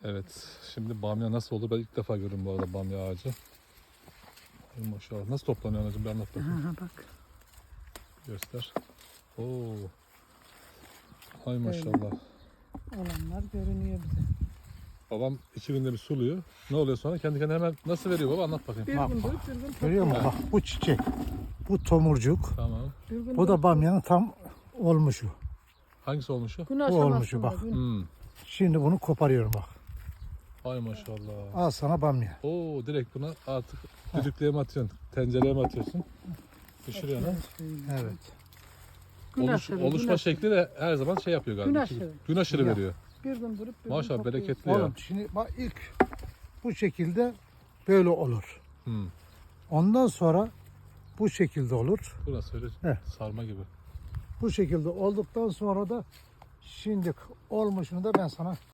Evet, şimdi bamya nasıl olur? Ben ilk defa görüyorum bu arada bamya ağacı. Ay maşallah. Nasıl toplanıyor anacığım? Bir anlat bakayım. Aha, bak. Göster. Oo. Ay maşallah. Olanlar görünüyor bize. Babam 2 günde bir suluyor. Ne oluyor sonra? Kendi kendine hemen nasıl veriyor baba? Anlat bakayım. Bir Bak, gün bak. durup bir gün Görüyor musun? topluyor. Bak bu çiçek. Bu tomurcuk. Tamam. Bir gün Bu da durup bamyanın tam olmuşu. Hangisi olmuş o? gün bu aşamasında. olmuşu bak. Gün. Hmm. Şimdi bunu koparıyorum bak. Ay maşallah. Al sana bamya. Oo, direkt buna artık düdüklüğe mi atıyorsun? Tencereye mi atıyorsun? Pişiriyorsun ha? Evet. Gün aşırı, gün Oluşma aşırı. şekli de her zaman şey yapıyor galiba. Gün aşırı. Gün aşırı Ya. veriyor. Bir gün durup bir Maşallah gün topluyor. bereketli ya. Oğlum şimdi bak ilk bu şekilde böyle olur. Hmm. Ondan sonra bu şekilde olur. Burası öyle Heh. sarma gibi. Bu şekilde olduktan sonra da şimdi olmuşunu da ben sana